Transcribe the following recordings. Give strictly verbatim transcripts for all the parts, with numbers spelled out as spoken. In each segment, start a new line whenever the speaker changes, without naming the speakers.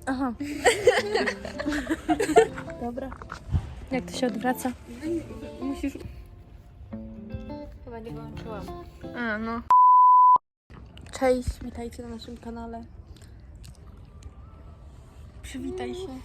Aha. Dobra. Jak to się odwraca?
Musisz... Chyba nie wyłączyłam.
A, no. Cześć, witajcie na naszym kanale. Przywitaj się.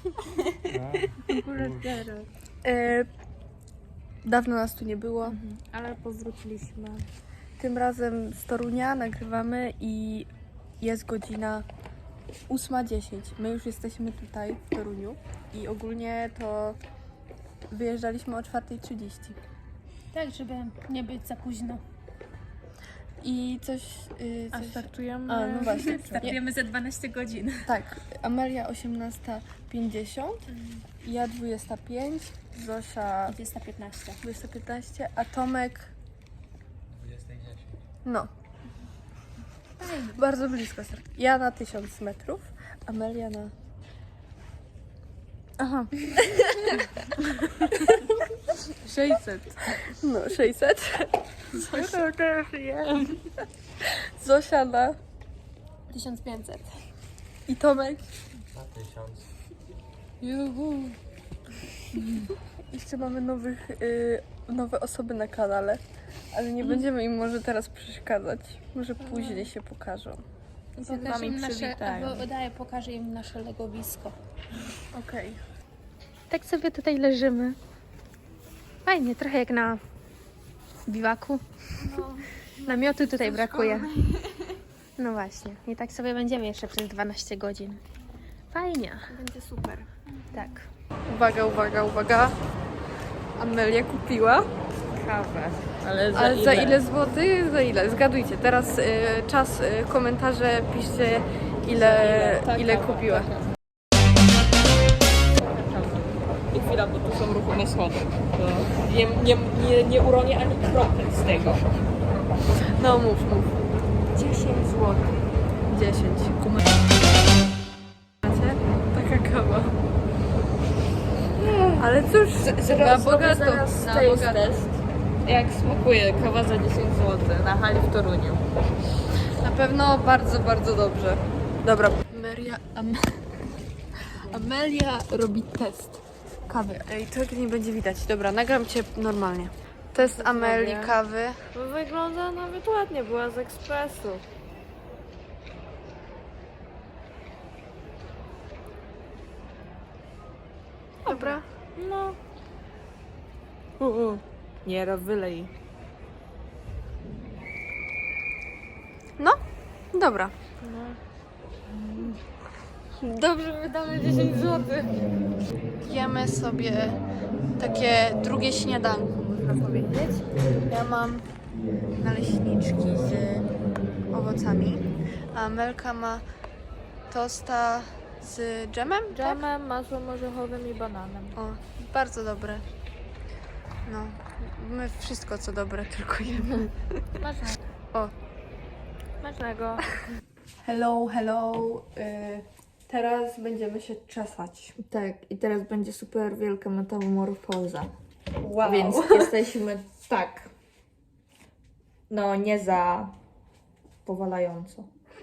e, dawno nas tu nie było.
Mhm. Ale powróciliśmy.
Tym razem z Torunia nagrywamy i jest godzina ósma dziesięć. My już jesteśmy tutaj w Toruniu i ogólnie to wyjeżdżaliśmy o czwarta trzydzieści.
Tak, żeby nie być za późno.
I coś... Yy,
A
coś...
startujemy...
A, no właśnie.
Startujemy za dwanaście godzin.
Tak, Amelia osiemnasta pięćdziesiąt, ja dwudziesta pięć, Zosia
dwudziesta piętnaście.
dwudziesta piętnaście, a Tomek
dwudziesta dziesięć.
no. Bardzo blisko. Ja na tysiąc metrów, Amelia na... Aha.
sześćset.
No, sześćset.
Zosia też wiem.
Zosia na...
tysiąc pięćset.
I Tomek.
Na tysiąc.
Juhu. Jeszcze mamy nowych, y, nowe osoby na kanale, ale nie będziemy im może teraz przeszkadzać. Może później się pokażą.
Pokażę im nasze, albo daję, pokażę im nasze legowisko.
Okej.
Tak sobie tutaj leżymy. Fajnie, trochę jak na biwaku.
No.
Namiotu tutaj brakuje. No właśnie. I tak sobie będziemy jeszcze przez dwanaście godzin. Fajnie.
Będzie super.
Tak.
Uwaga, uwaga, uwaga. Amelia kupiła.
Kawę. Ale za,
Ale
ile?
za ile złotych? Za ile? Zgadujcie. Teraz y, czas, y, komentarze, piszcie ile,
Ta
ile
kawa,
kupiła.
ta kawa. I chwila, bo tu są ruchome schody. To nie, nie, nie, nie uronię ani kropli z tego.
No mów, mów.
dziesięć złotych.
dziesięć. Macie? Taka kawa. Ale cóż, na bogato.
Zaraz
Na
taste
bogato.
test. Jak smakuje kawa za dziesięć złotych na hali w Toruniu.
Na pewno bardzo, bardzo dobrze. Dobra. Amelia, Am Amelia robi test kawy. Ej, to nie będzie widać. Dobra, nagram cię normalnie. Test Ameli
zrobię.
kawy.
Wygląda nawet ładnie, była z ekspresu.
Dobra.
No. U, u. Nie, ro- wylej.
No, dobra. Dobrze, wydamy dziesięć złotych. Jemy sobie takie drugie śniadanko, można powiedzieć. Ja mam naleśniczki z owocami, a Amelka ma tosta z dżemem? Tak?
Dżemem, masłem orzechowym i bananem.
O, bardzo dobre. No, my wszystko co dobre tylko jemy.
Smacznego.
O,
Smacznego.
hello, hello. Y, teraz będziemy się czesać.
Tak, i teraz będzie super wielka metamorfoza.
Wow.
Więc jesteśmy tak. No, nie za powalająco.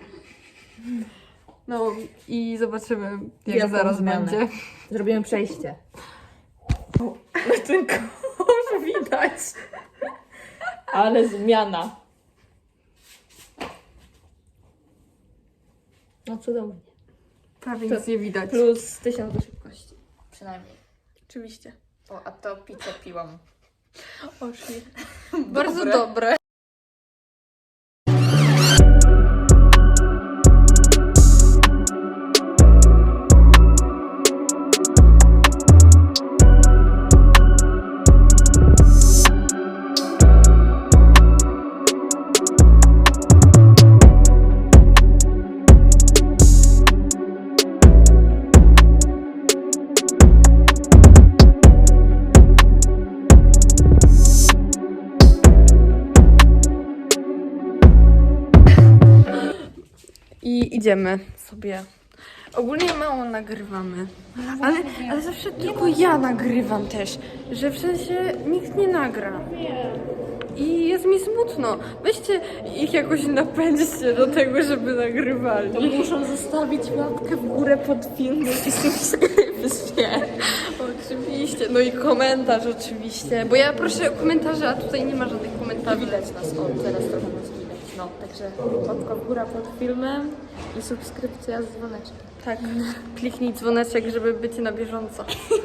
No i zobaczymy, jak
Wielką
zaraz
zmianę.
będzie.
Zrobimy przejście. Ale ten kosz widać. Ale zmiana. No cudownie.
Prawie
To
nic nie widać.
Plus tysiąc do szybkości. Przynajmniej.
Oczywiście.
O, a to pizzę piłam.
Oszli. Bardzo dobre. I idziemy sobie. Ogólnie mało nagrywamy. Ale, ale zawsze tylko ja nagrywam też. Że w sensie nikt nie nagra. i jest mi smutno. Weźcie ich jakoś napędźcie do tego, żeby nagrywali.
To muszą zostawić łapkę w górę pod filmem i subskrypcję.
Oczywiście, no i komentarz oczywiście, bo ja proszę o komentarze, a tutaj nie ma żadnych komentarzy.
Widać nas, o, teraz trochę nas widać. No, także łapka w górę pod filmem i subskrypcja z dzwoneczkiem.
Tak, kliknij dzwoneczek, żeby być na bieżąco.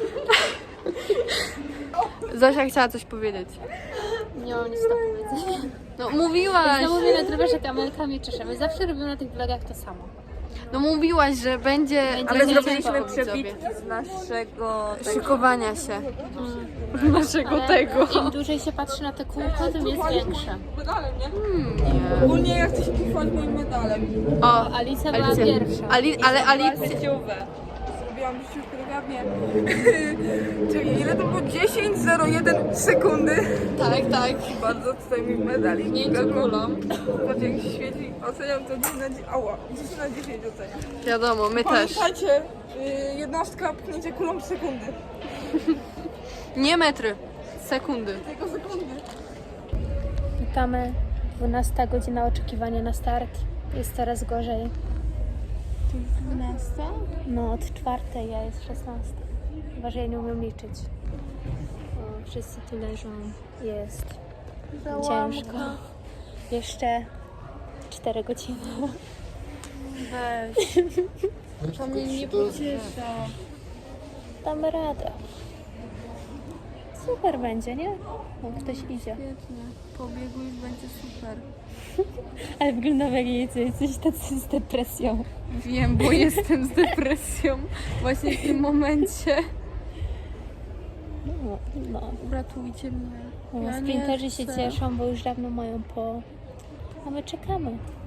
Zosia chciała coś powiedzieć.
Nie mam nic do powiedzenia.
No mówiłaś,
Znowu mnie nagrywasz, jak Amelka mnie czesze. My zawsze robimy na tych vlogach to samo.
no mówiłaś, że będzie...
Będzie
Ale
nie
zrobiliśmy
tylko
przebitki
z naszego...
szykowania się. Naszego
Ale
tego.
im dłużej się patrzy na te kółko, tym jest większe.
Ogólnie ja chcę się kiwać moim medalem.
O,
Alicja była
Alicja.
pierwsza.
Ali, ale Alicja...
Zrobiłam życiu choreografię. Czyli ile to było? dziesięć zero jeden sekundy.
Tak, tak.
Bardzo tutaj mi medalik.
Pięciu kulą.
Patrz jak się świeci. Oceniam to dziesięć na dziesięć. Ała, dziesięć na dziesięć oceniam.
Wiadomo, my też.
Pamiętajcie, yy, jednostka pchnięcie kulą w sekundy.
Nie metry, sekundy.
Tylko sekundy.
Witamy. dwunasta godzina oczekiwania na start. Jest coraz gorzej.
dwunasta?
No, od czwartej, ja jest szesnasta. Chyba, że ja nie umiem liczyć. O, wszyscy tu leżą. Jest ciężko. Jeszcze cztery godziny.
Weź. To mnie nie pociesza.
Damy radę. Super będzie, nie? O, ktoś idzie.
Świetnie. Pobiegu już będzie super.
Ale wyglądam jak jedzie jesteś tacy z depresją.
Wiem, bo jestem z depresją właśnie w tym momencie.
No, no.
Uratujcie mnie.
no
Ja nie
sprinterzy się
chcę.
cieszą, bo już dawno mają po... A my czekamy.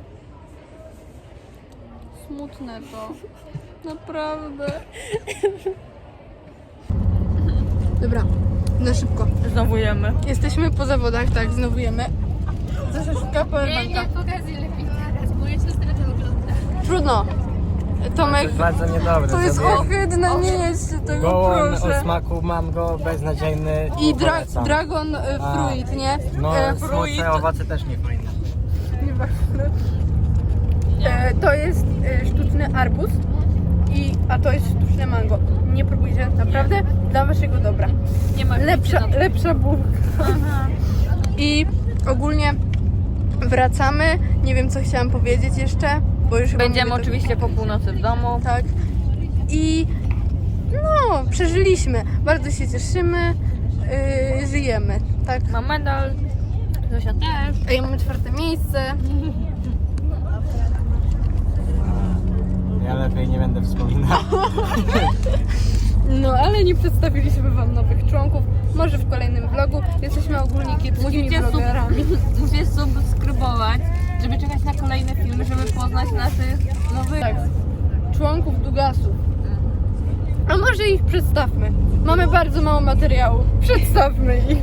Smutne to. Naprawdę. Dobra, na szybko.
Znowu jemy.
Jesteśmy po zawodach, tak, znowu jemy. Zosia szuka powerbanka.
pokazuj lepiej teraz. Moja siostra to ogląda.
Trudno. Tomek,
Bardzo niedobre.
to jest
sobie.
ohydne, nie jedźcie tego,
Gołąb
proszę.
o smaku mango, beznadziejny.
I dra
polecam.
dragon y,
A,
fruit, nie?
No,
E,
słodsze owoce też nie fajne.
Nieważne. E, to jest e, sztuczny arbuz, i, a to jest sztuczne mango. Nie próbujcie, naprawdę, dla waszego dobra.
Nie ma
Lepsza, lepsza bułka. I ogólnie wracamy. Nie wiem, co chciałam powiedzieć jeszcze, bo już chyba
Będziemy
mówię to-
oczywiście po północy w domu.
Tak. I no, przeżyliśmy. Bardzo się cieszymy. Yy, żyjemy, tak.
Mam medal. Zosia też.
A ja mamy czwarte miejsce.
Ja lepiej nie będę wspominał.
No, ale nie przedstawiliśmy wam nowych członków. Może w kolejnym vlogu. Jesteśmy ogólnie kiepskimi
Musicie, sub
vlogerami.
musicie subskrybować, żeby czekać na kolejne filmy, żeby poznać naszych nowych...
Tak. Członków Dugasów. A może ich przedstawmy. Mamy bardzo mało materiału. Przedstawmy ich.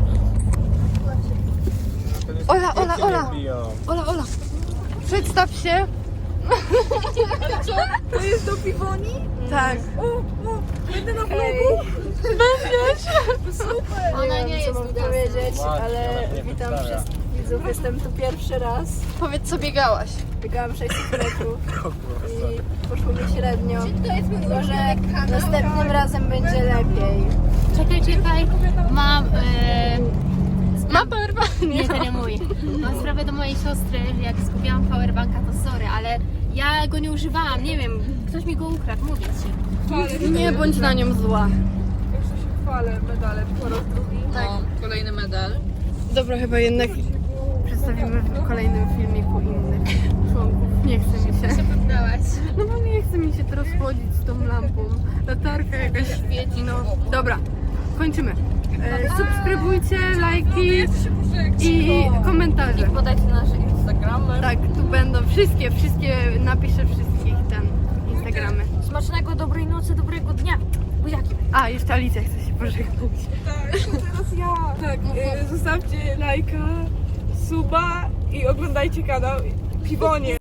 Ola, Ola, Ola. Ola, Ola. Przedstaw się.
To jest do piwoni?
Tak.
O, o, będę na vlogu.
Będziesz.
Super.
Ona nie jest
co mam
Dugasem.
powiedzieć,
Właśnie,
ale
ona się nie
witam
przedstawia.
wszystkich widzów. Jestem tu pierwszy raz.
Powiedz, co biegałaś.
Biegałam sześćset metrów i poszło mi średnio. Może następnym razem będzie lepiej.
Czekaj, czekaj. Mam... E...
Ma powerbank?
Nie, to nie mój. Mam sprawę do mojej siostry, jak zgubiłam powerbanka, to sorry, ale ja go nie używałam, nie wiem, ktoś mi go ukradł, mówię ci.
Nie bądź na nią zła.
Jeszcze się chwalę medalem po raz drugi.
Tak. Kolejny medal.
Dobra, chyba jednak przedstawimy w kolejnym filmiku innych członków. Nie chce mi się.
Poddałaś.
No bo nie chce mi się teraz chodzić z tą lampą. Latarka jakaś świeci, no. Dobra, kończymy. E, subskrybujcie, lajki i komentarze.
Podajcie nasze Instagramy.
Tak, tu będą wszystkie, wszystkie, napiszę wszystkich ten Instagramy.
Smacznego, dobrej nocy, dobrego dnia. Buziaki.
A, jeszcze Alicja chce się pożegnać.
Tak, to teraz ja. Tak, y, zostawcie lajka, suba i oglądajcie kanał Piwonie.